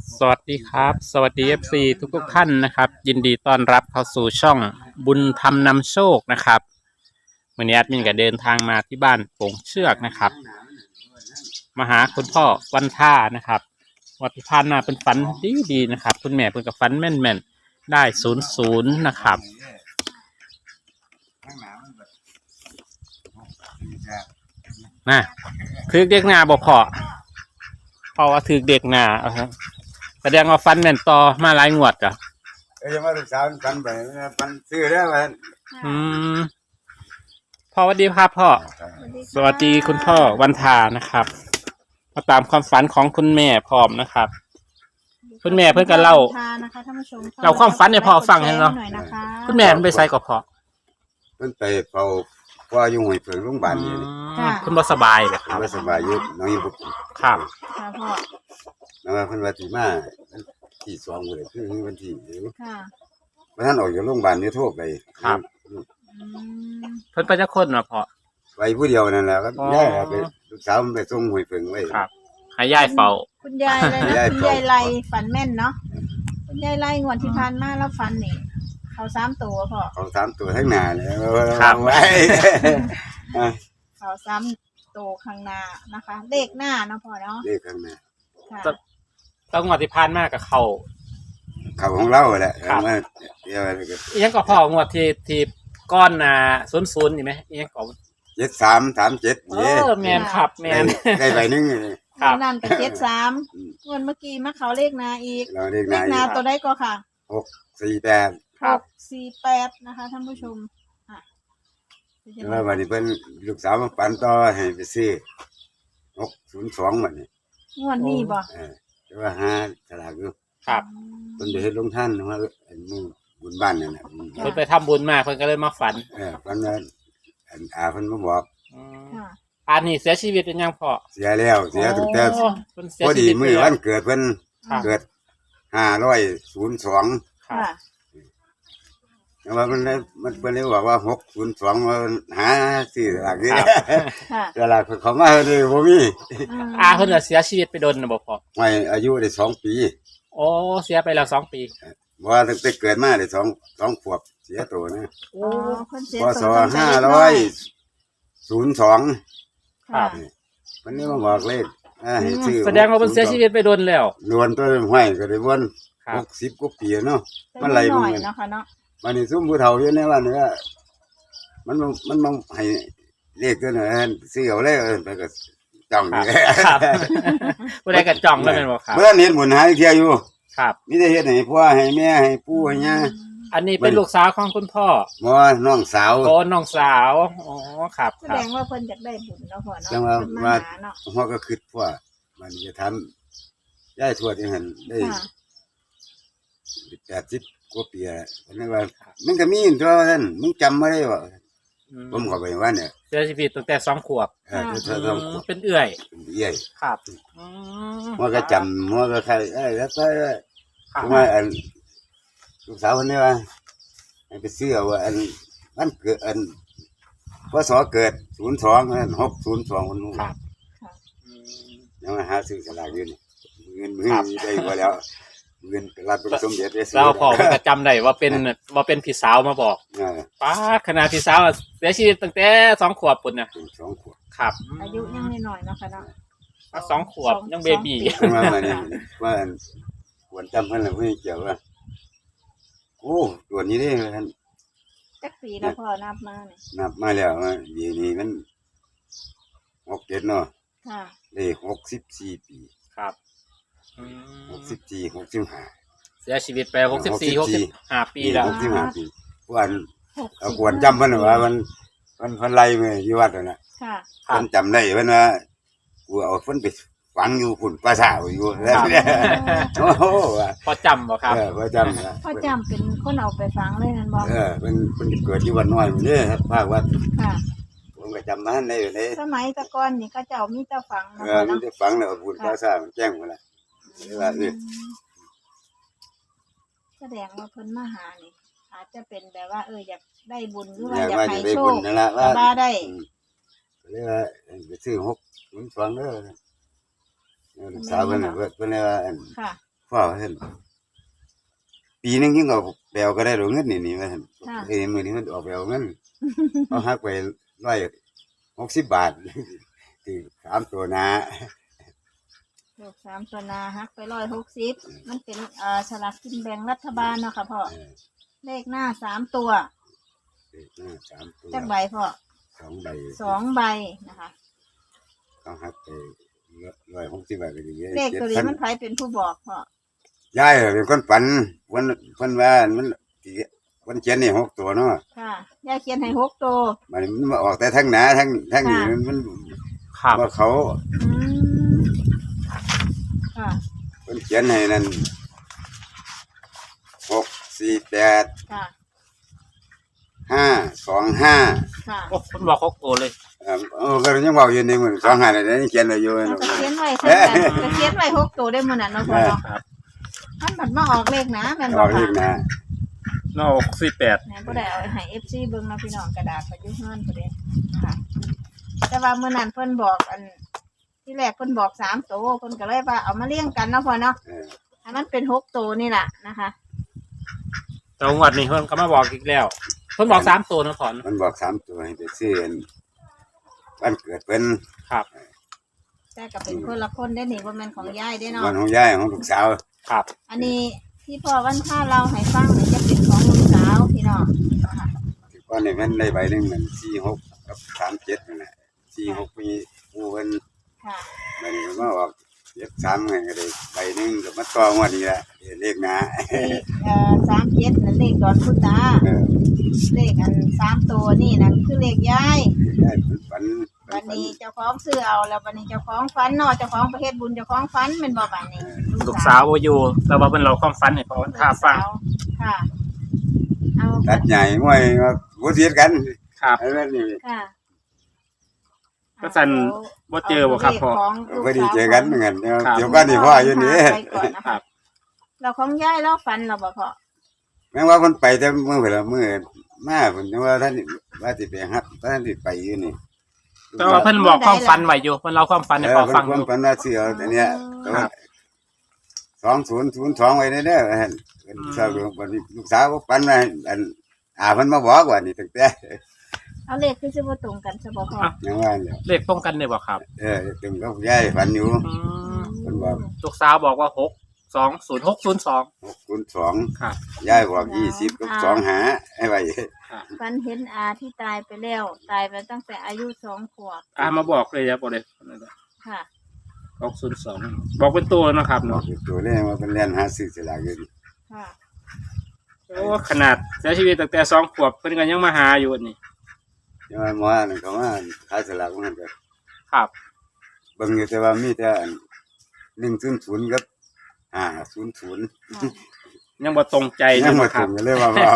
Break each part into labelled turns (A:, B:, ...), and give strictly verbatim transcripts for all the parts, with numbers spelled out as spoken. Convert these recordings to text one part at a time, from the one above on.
A: สวัสดีครับสวัสดี เอฟ ซี ทุกทุกท่านนะครับยินดีต้อนรับเข้าสู่ช่องบุญธรรมนำโชคนะครับวันนี้แอดมินก็เดินทางมาที่บ้านโป่งเชือกนะครับมาหาคุณพ่อวันท่านะครับวัที่ผ่านมาเป็นฝันดีดีนะครับคุณแม่เป็นกับฝันแม่นแม่นได้ศูนย์ศูนย์นะครับนะถือเด็กหน้าบอกพอพอว่าถือเด็กหน้าเอาครับแสดงว่าฟันแม่นต่อมาหลายงวดจ้ะ
B: เอ้ยมาลูกสาวฟันไปฟันซื้อได้ไหม
A: อืมพ่อสวัสดีครับพ่อสวัสดีคุณพ่อวันทานะครับมาตามความฝันของคุณแม่พร้อมนะครับคุณแม่เพื่อนกันเล่าเราความฝันเนี่ยพ่อฟังให้เนาะคุณแม่มันไปใส่กับพ่อ
B: เพิ่นไปเฝ้าพ่ออยู่ห้วยเพิงโรงพยาบาลนี่
A: คุณบ่สบายเลยครับ
B: บ่สบายอยู่น้องอยู่บ่
A: ครับ
C: ค่ะพ่อ
B: แล้วเพิ่นว่าสิมาที่สองมื้อคือวันที่
C: ค่ะ
B: บ่ทันออกจากโรงพยาบาลนี่โทรไป
A: ครับเพิ่นไปจักคนเนาะพ่อ
B: ไปผู้เดียวนั่นแหละครับยายไปลูกสาวมันไปส่งห้วยเพิงไว้
A: ครับให้ยายเฝ้า
C: คุณยายเลยนะคุณยายไล่ฝันแม่นเนาะคุณยายไล่งวดที่ผ่านมาแล้วฝันนี่เขาสามตัวพ่อ
B: เขาสามตัวทั้งหน้าเลย
A: ครับไว้
C: เขาสามตัวข้างหน้านะคะเลขหน้าเนาะพ่อเนาะ
B: เลขข้างหน้า
C: ค่ะ
A: ต้องงวดที่ผ่านมากับเขา
B: เขาของเราแหละ
A: ครับ
B: เดี๋ยว
A: ยังก็พ่องวดที่ที่ก้อนน่ะศูนย์ศูนย์นี่ไหมยังก็
B: เจ็ดสามสามเจ็ด
A: เออแมนครับแมน
B: ได้ใบนึง
C: ครับนั่นกับเจ็ดสามเงินเมื่อกี้มาเขาเลขนาอีกเลขนาตัวได้ก็ค่ะ
B: หกสี่แปด
C: หกสี่แปดนะคะท่านผู้ชมค่ะ
B: แล้ววันนี้เพิ่นลูกสาวมาปั่นต่อให้ไปซื้อหกศูนย์สองวันนี้
C: งวดนี้บ่
B: เออแต่ว่าห้าฉลากอยู่
A: ครับ
B: เพิ่นไปเฮ็ดลงท่านว่าอันมือบุญบ้านนั่นน่ะ
A: เพิ่นไปทำบุญมาเพิ่นก็เลยมาฝัน
B: เออฝันว่าอันอาเพิ่นมาบอก
C: ค่ะ
A: อันนี้เสียชีวิตเป็นยังพ่อ
B: เสียแล้วเสียตั้งแต่พอดีมื้อวันเกิดเพิ่นเกิดห้าร้อยศูนย์สอง
C: ค่ะ
B: แต่ว่ามันมันเพิ่นเลยบอกว่าหกศูนย์สองว่าหาซื้อหลักนี่
C: ค่ะ
B: หลักเขามาเลยบ่มี
A: อาเพิ่นเสียชีวิตไปโดนน่ะบ่พ่อ
B: ไม่อายุได้สองปี
A: โอ้เสียไปแล้วสองปี
B: บ่ว่าตั้งแต่เกิดมาได้สอง สองขวบเสียตัวนะ
C: โอ้เพิ่นเสีย
B: ตัวห้าร้อยศูนย์สอง
A: ครับ
B: วันนี้มาบอกเลขให้ซื้อ
A: แสดงว่าเพิ่นเสียชีวิตไปโดนแล้ว
B: โดนตัวห้อยก็ได้วนหกสิบกว่าปีเนาะมันไหล
C: บ่เนาะค่ะเนาะ
B: วันนี้ซุ่มผู้เฒ่าอยู่ในวันนี้มันมันมันให้เลขตัวนั้นซื้อเอาเลยไปก็จ้องอยู่
A: ครับบ่ได้ก็จ้องแล้วแม่นบ่ครับ
B: เมื่อเห็นบุญหาเที่ยอยู่
A: ครับ
B: มีแต่เฮ็ดให้พ่อให้แม่ให้ปู่ให้ย่า
A: อันนี้เป็นลูกสาวของคุณพ่อ
B: บ่น้องสาว
A: โอ้น้องสาวอ๋อครับ
C: แสดงว่าเพิ่นอยากได้บุญเนาะพ่อเนาะ
B: จังว่าว่าพ่อก็คิดว่ามันจะทำย้ายทวดจังหั่นได้แปดสิบกว่าปีแล้วนั่นว่ามันก็มีตัวนั้นมึงจำบ่ได้บ่ผมก็ไปว่าเนี่ย
A: เสียชีวิตตั้งแต่สองขวบ
B: เออสองขวบ
A: เป็นเอื้อย
B: เอื้อย
A: ครับ
B: มันก็จำมันก็ใครเอ้ยแล้วก็ว่าอันลูกสาวคนนี้ว่าไปซื้อว่าอันมันเกิดอันพศเกิดศูนย์สองหกศูนย์สองคนนู้นยังมาหาซื้อสลากอยู่นี่เงินมือได้กว่าแล้วเงินรับเป็นสมเด็จ
A: เราพอจะจำได้ว่าเป็นว่าเป็นพี่สาวมาบอกป้าขนาดพี่สาวเสียชีวิตตั้งแต่สองขวบปุ่นนะ
B: สองขวบ
A: ครับ
C: อายุยังน้อยๆเนาะค่ะเนาะ
A: สองขวบยังเบบี้
B: ว่าเนี่ยว่าควรจำเพิ่นแล้วไม่เกี่ยวว่าโอ้ตัวนี้นี่ท่าน
C: จักปีแล้วพ่อนับมาเนี่ย
B: นับมาแล้วดีนี่มันหกเจ็ดเนาะ
C: ค่ะ
B: ได้หกสิบสี่ปี
A: ครับ
B: หกสิบสี่หกสิบห้า
A: เสียชีวิตไปหกสิบสี่หกสิบห้าปีแล้ว
B: หกสิบห้าปีวันเอาควรจำเพิ่นว่ามันมันเพิ่นไล่มาอยู่วัดนั่นน่ะ
C: ค่ะ
B: เพิ่นจำได้เพิ่นว่ากูเอาเพิ่นไปฝังอยู่ฝุ่นปลาสาวอยู่แล้วเนี่ยโอ้โห
A: พอจำบ่ครับ
B: เออพอจำ
C: พอจำเป็นคนเอาไปฝังเลยนั่นบ่
B: เออเป็นเป็นเกิดที่วันน้อยมื้อนี้ครับภาควัด
C: ค่ะ
B: ผมก็จำมาได้อยู่เลย
C: สมัยตะก่อนนี่ก็เจ้ามีแต่ฝัง
B: เออมีแต่ฝังแล้วฝุ่นปลาสาวแจ้งมาแล้วว่าสิ
C: แสดงว่าเพิ่นมาหานี่อาจจะเป็นแบบว่าเอออยากได้บุญหรือว่าอยากให้โชคว่าได้
B: เรียกว่าไปซื้อหกศูนย์สองเด้อลูกสาวเพิ่นน่ะเพิ่นว่าอันพ่อเห็นปีนึงยิ่งเอาแปลวก็ได้หรือเงินนี่นี่ว่าท่าน
C: ค่ะ
B: เอ้ยมือนี้มันออกแปลวเงิน เขาหักไปร้อยหกสิบบาท ที่สามตัวนะ
C: ลูกสามตัวนาฮักไปร้อยหกสิบมันเป็นเอ่อฉลากกินแบ่งรัฐบาลเนาะค่ะพ่อ
B: เออ
C: เลขหน้าสามตัว
B: เลขหน้าสามตัว
C: จักใบพ่อ
B: สองใบ
C: สองใบนะคะ
B: เขาหักไปร้อยหกสิบบาทก็ดี
C: เลขตัวนี้
B: จ็ดพั
C: มันใครเป็นผู้บอกพ่อ
B: ยายเป็นคนฝันวันวันว่ามันที่วันเขียนนี่หกตัวเนาะ
C: ค่ะยายเขียนให้หกตัว
B: มันมันมาออกแต่ทั้งหนาทั้งทั้งนี่
C: ค่ะ
B: มัน
A: ครับ
B: ว่าเขา
C: อืมค่ะ
B: คนเขียนให้นั่นหกสี่แปด
C: ค่ะ
B: ห้าสองห้า
C: ค่ะ
A: โอ้เพิ่นบอกหกตัวเลย
B: เออเออก็ยังบอกอยู่ในมือสองห้าเลยนี่เขียนอะไรอยู่
C: เราจะเขียนไว้เท่ากันจะเขียนไว้หกตัวได้มื้อนั้นเนาะพ่อเนาะ
A: ครับ
C: มันบัดมาออกเลขนะแม่น
B: บ
C: บ่
B: อกอี
C: ค่ะ
B: กนะ
A: นอกสี่แปด
C: แม่นบ่ได้เอาให้ เอฟ ซี เบิ่งเนาะพี่น้องกระดาษไปอยู่เฮือนพุ่นเด้ค่ะ แต่ว่ามื้อนั้นเพิ่นบอกอัน ที่แรกเพิ่นบอกสามตัวเพิ่นก็เลยว่าเอามาเลี้ยงกันเนาะพ่อเนาะ
B: เออ
C: ให้มันเป็นหกตัวนี่ล่ะนะคะ
A: แต่งวดนี้เพิ่นก็มาบอกอีกแล้ว เพิ่นบอกสามตัวนะขอน
B: มันบอกสามตัวให้ไปซื้ออันวันเกิดเป็น
A: ครับ
C: แต่ก็เป็นคนละคนได้นี่บ่แม่นของยายได้เนาะ
B: วันของยายของลูกสาว
A: ครับ
C: อันนี้ที่พ่อวันท่าเราให้ฟังนี่จะเป็นของลูกสาวพี่น้องนะคะ
B: ที่ก้อนนี่มันได้ใบหนึ่งมันสี่หกกับสามเจ็ดนั่นแหละสี่หกมีผู้เพิ่น
C: ค่ะ
B: มันมาออกเจ็ดสามไงก็ได้ใบหนึ่งก็มาต่องวดนี้แหละเลขหนะ
C: เลขเอ่อสามเจ็ดนั่นเลขดอนพุตา
B: เออ
C: เลขอันสามตัวนี่นั่นคือเลขยาย
B: ยายเป็นฝัน
C: วันนี้เจ้าของซื้อเอาแล้ววันนี้เจ้าของฝันเนาะเจ้าของประเทศบุญเจ้าของฝันเป็นบ่บัดนี้
A: ลูกสาวบ่อยู่แต่ว่าเพิ่นเราความฝันให้พอวันท่าฟัง
C: ค่ะ เอา
B: ตัดใหญ่ง่วยมาบูเสียกัน
A: ครับ
B: ไอ้แม่นี่
C: ค่ะ
A: ก็สั่นบ่เจอบ่ครับพ่อ
B: พอดีเจอกันเหมือนกันเดี๋ยว
A: ครับ
B: เดี๋ยวก็นี่พ่ออยู่นี่
C: ไปก่อนนะ
A: ครั
C: คะ
A: บ
C: เราของยายเราฝันเราบ่พอ
B: แม้ว่าคนไปแต่เมื่อเวลาเมื่อมาผมว่าท่านว่าสิไปฮับท่านสิไปอยู่นี่
A: แต่ว่าเพิ่นบอกความฝันไว้อยู่เพิ่นเราความฝันให้
B: เอ
A: พ
B: อ
A: อ
B: เพิ่
A: ฟั
B: น
A: งอ
B: เพิ่น
A: ยู่
B: เพิ่นว่าสิเอาอันเนี้ย
A: ครับ
B: สองศูนย์ศูนย์สองไว้ได้เด้อเห็นเป็นชาววันนี้ลูกสาวก็ปันว่าอันอาเพิ่นมาบอกว่านี่ตั้งแต่
C: เอาเลขคือสิบ่ตรงกันซะบ่พอ
B: ยังว่าเนี่ย
A: เลขตรงกันได้บ่ครับ
B: เออตึงก็ยายฝันอยู่
A: อืม
B: เพิ่นบอก
A: ลูกสาวบอกว่าหกสองศูนย์หกศูนย์สอง
B: หกคูณสอง
A: ครับ
B: ยายบอกยี่สิบกับสองหาให้ไว้
C: ฝันเห็นอาที่ตายไปแล้ว ตายไปตั้งแต่อายุสองขวบ
A: อ่ามาบอกเลยครับบอกเลย
C: ค่ะ
A: หกศูนย์สองบอกเป็นตัวนะครับ
B: บอก
A: เนาะ
B: อยู่ตัวเลขว่าเป็นเรียนหาซื้อสลากอยู่นี่
C: ค่ะ
A: โอ้ขนาดเสียชีวิตตั้งแต่สองขวบเพิ่นก็ยังมาหาอยู่นี่
B: ยังว่าหมอนั่นเขาว่าขายสลากมันก็
A: ครับ
B: เบิ่งอยู่แต่ว่ามีแต่อันหนึ่งศูนย์ศูนย์กับห้าศูนย์ศูนย์
C: ค่ะ
A: ยังบ่ตรงใจ
B: ยั
A: นะ
B: งมา
A: ครั
B: ถึ
A: บ
B: งเลยว่าว่า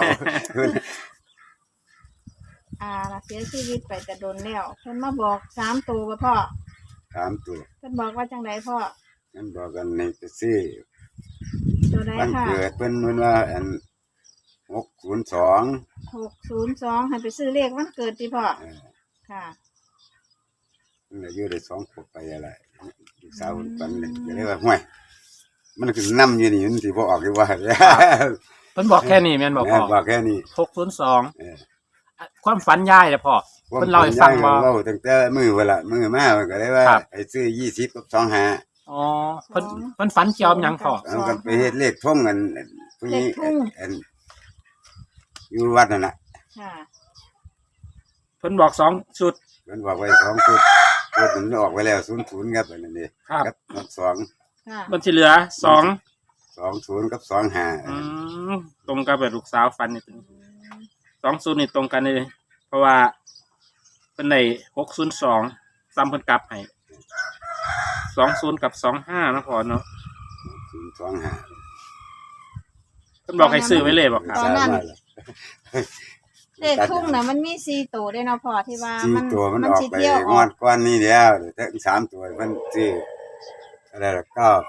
C: อาล่ะเสียชีวิตไปแต่โดนแล้วเพิ่นมาบอกสามตัวบ่พ่อ
B: ถามตัว
C: เพิ่นบอกว่าจังไดพ่อ
B: นั่นบอกกันในไปซื้อ
C: ตัวใด
B: วัน
C: ค่ะ
B: เกิดเพิ่นเพิ่นว่าอันหกศูนย์สอง
C: หกศูนย์สองให้ไปซื้อเลขวันเกิดติพ่อ
B: เออ
C: ค่ะ
B: มันอายุได้สองขวบไปอะไรลูกสาวปันเลยก็เลยว่าห่วยมันคือน้ำอยู่นี่มันสิบ่ออกอยู่ว่า
A: เพิ่นบอกแค่นี้แม่นบอก
B: แม่
A: พ่อ
B: บอกแค่นี้
A: หกศูนย์สอง
B: เออ
A: ความฝันยายแหละพ่อ เพิ่นเล่าให้ฟังว่า
B: เว้าตั้งแต่มื้อเวลามื้อมามันก็เลยว่า
A: ครับ
B: ให้ซื้อยี่สิบกับสองห้า
A: อ๋อเพิ่นเพิ่นฝันเกี่ยวกับหยังพ่อ
B: เอากันไปเฮ็ดเลขท่งกันผู้นี้อันอยู่วัดนั่นน่ะ
C: ค่ะ
A: เพิ่นบอกสองชุด
B: เพิ่นบอกไว้สองชุดชุดมันออกไปแล้วศูนย์ศูนย์ครับอันนั้นนี่
A: ครับ
B: กับสอง
C: ค่ะ
A: มันสิเหลือสอง
B: สองศูนย์กับสองห้า
A: อืมตรงกับแบบลูกสาวฝันนี่สองศูนย์นี่ตรงกันเลยเพราะว่าเป็นในหกศูนย์สองซ้ำเพิ่นกลับให้สองศูนย์กับสองห้านะพ่อเนาะ
B: ศูนย์สองห้า
A: เพิ่นบอกให้ซื้อไว้เลยบอกครับ
C: ตอนนั้น เลขทุ่งน่ะมันมีสี่ตัวด้วยเนาะพ่อที่ว่า
B: สี่
C: มัน
B: ตัวมันออก
C: สิ
B: ไป
C: เที่ยวอง
B: ว
C: อ
B: ด
C: ก
B: ก้อนนี้แล้วเดี๋ยวแต่สามตัวมันซื้ออะไรละเก้า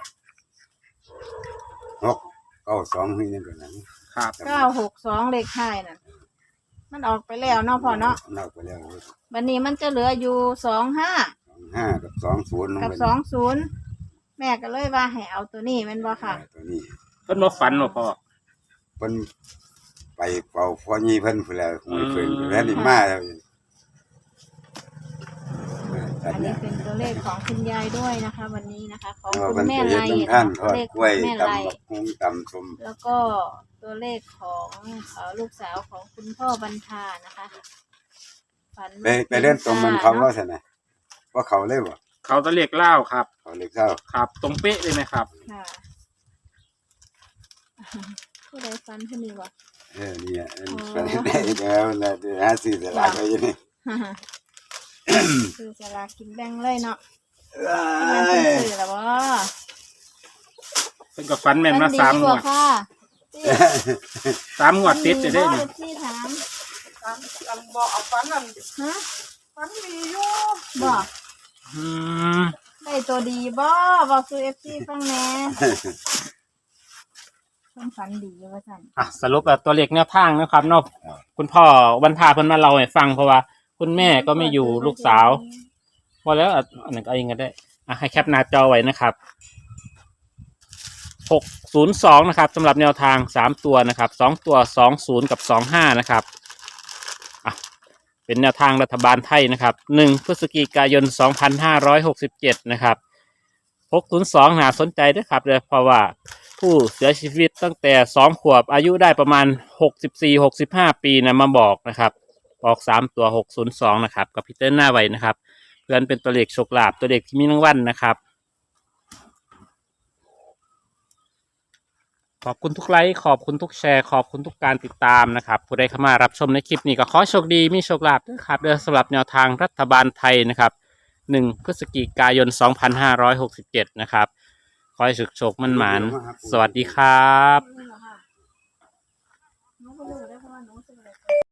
B: หกเก้าสองนี่นั่นก็นั้น
A: ครับ
C: เก้าหกสองเลขท้ายน่ะมันออกไปแล้วเนาะพ่อเนาะ
B: นอกไปแล้ว
C: วันนี้มันจะเหลืออยู่สองห้า
B: สองห้ากับสองศูนย์ลง
C: กับ
B: ไป
C: สองศูนย์แม่ก็เลยว่าให้เอาตัวนี้แม่นบ่ค่ะ
B: ตัวนี้
A: เพิ่นบ่ฝันบ่พ่อ
B: เพิ่นไปเป่าพ่อยี่เพิ่นพุ่นแล้วหวยเพิ่น
A: อืม
B: แล้วนี่มาแล้วอั
C: อั
B: น
C: น
B: เนี้
C: นี้
B: ย
C: เป็นตัวเลขของคุณยายด้วยนะคะ วันนี้นะคะ ของ
B: ว่า
C: คุ
B: เพิ่
C: ณ
B: น
C: แม่
B: ไป
C: ไล
B: เฮ็ด
C: นะ
B: น้ำท่าน
C: คะ
B: ทอด
C: เลข
B: กล้วย
C: แม่
B: ตำ
C: ไล
B: บักหุ่งตำส้ม
C: แล้วก็ตัวเลขของเอ่อลูกสาวของคุณพ่อบรรทานะคะฝัน
B: ไปไปเล่นตรงมันเขาว่าซั่นน่ะว่าเขาเลยบ่
A: เขาตะเรียกเล่าครับ
B: เขาเลยเข้า
A: ครับ ตรงเป๊ะเลยนะครับ
C: ค่ะผู้ใดฝันผู้นี้วะ
B: เออเนี่ยเออ
C: อ๋อ
B: ไปได้แล้วแล้วเดี๋ยวหาซื้อตลาดไปอยู่นี่
C: คือสลากกินแบ่งเลยเนาะ
B: เอ้
C: มันเป็น
B: ย
C: สื่อแล้วบ่
A: เพิ่นก็ฝันแม่นมาสามงวด
C: ค่ะ
A: สามงวดติดจะได้
C: นี่
A: นี่
C: ที่ถาม
D: กันกันบอกเอาฟันนั่น
C: ฮะ
D: ฟันมีอยู่
C: บอก
A: อืม
C: ได้ตัวดีบ่บอกคือเอฟซีฟังแหน่เพิ่นฝันดีอยู่ว่าซั่น
A: อ่ะสรุปแล้วตัวเลขแนวทางนะครับเนาะคุณพ่อวันพาเพิ่นมาเล่าให้ฟังเพราะว่า คุณแม่ก็ไม่อยู่ลูกสาวพอแล้วอ่ะอันนั้นก็เอาเองก็ได้อ่ะให้แคปหน้าจอไว้นะครับหกศูนย์สองนะครับสำหรับแนวทางสามตัวนะครับสองตัวสองศูนย์กับสองห้านะครับอ่ะเป็นแนวทางรัฐบาลไทยนะครับหนึ่งพฤศจิกายนสองพันห้าร้อยหกสิบเจ็ดนะครับหกศูนย์สองน่าสนใจด้วยครับเลยเพราะว่าผู้เสียชีวิตตั้งแต่สองขวบอายุได้ประมาณหกสิบสี่หกสิบห้าปีนะมาบอกนะครับบอกสามตัวหกศูนย์สองนะครับกับพิเตอร์หน้าไว้นะครับเพื่อนเป็นตัวเลขโชคลาภตัวเลขที่มีรางวัลนะครับขอบคุณทุกไลค์ขอบคุณทุกแชร์ขอบคุณทุกการติดตามนะครับผู้ใดเข้ามารับชมในคลิปนี้ก็ขอโชคดีมีโชคลาภด้วยครับเดือสำหรับแนวทางรัฐบาลไทยนะครับหนึ่งพฤศจิกายนสองพันห้าร้อยหกสิบเจ็ดนะครับขอให้สุขโชคมั่นหมานสวัสดีครับ
C: หนูบ่รู้ได้เพราะว่าหนูซื้ออะไร